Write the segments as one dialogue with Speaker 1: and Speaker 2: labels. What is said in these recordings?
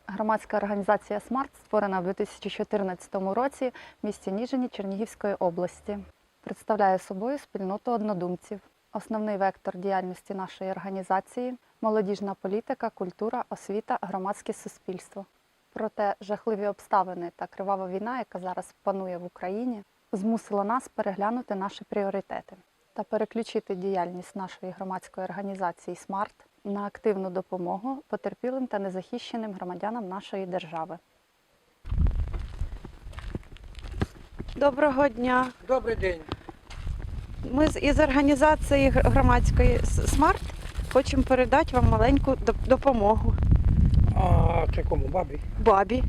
Speaker 1: Громадська організація «Смарт» створена в 2014 році в місті Ніжині Чернігівської області. Представляє собою спільноту однодумців. Основний вектор діяльності нашої організації – молодіжна політика, культура, освіта, громадське суспільство. Проте жахливі обставини та кривава війна, яка зараз панує в Україні, змусила нас переглянути наші пріоритети та переключити діяльність нашої громадської організації «Смарт» на активну допомогу потерпілим та незахищеним громадянам нашої держави.
Speaker 2: Доброго дня.
Speaker 3: Добрий день.
Speaker 2: Ми із організації громадської «Смарт» хочемо передати вам маленьку допомогу.
Speaker 3: А це кому? Бабі?
Speaker 2: Бабі.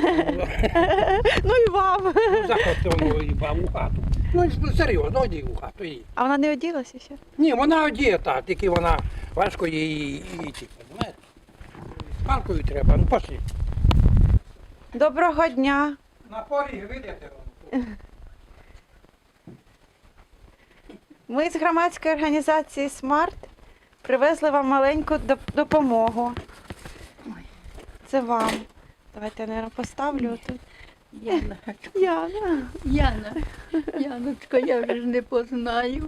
Speaker 2: Ну і вам.
Speaker 3: Ну, заходьте воно і бабу в хату. Ну, серйозно, йди в хату. Їй.
Speaker 2: А вона не оділася ще?
Speaker 3: Ні, вона одієта, тільки вона важко її йти, розумієте? З палкою треба, ну пошли.
Speaker 2: Доброго дня.
Speaker 3: На поріг видите?
Speaker 2: Ми з громадської організації «Смарт» привезли вам маленьку допомогу. Це вам. Давайте я, мабуть, поставлю тут.
Speaker 4: Яна,
Speaker 2: Яна.
Speaker 4: Яночка, я вже ж не познаю.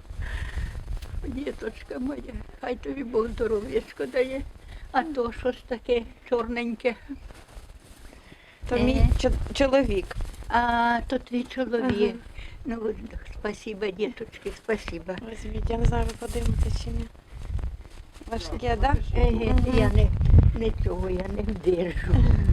Speaker 4: Діточка моя, хай тобі Бог здоров'ячко дає. А то щось таке чорненьке.
Speaker 2: То мій чоловік.
Speaker 4: А то твій чоловік.
Speaker 2: Ага.
Speaker 4: Ну, спасибо, діточки, спасибо.
Speaker 2: Візьміть, я не знаю, ви подивитесь чи ні. Важке, так? Да?
Speaker 4: Я не цього я не вдержу.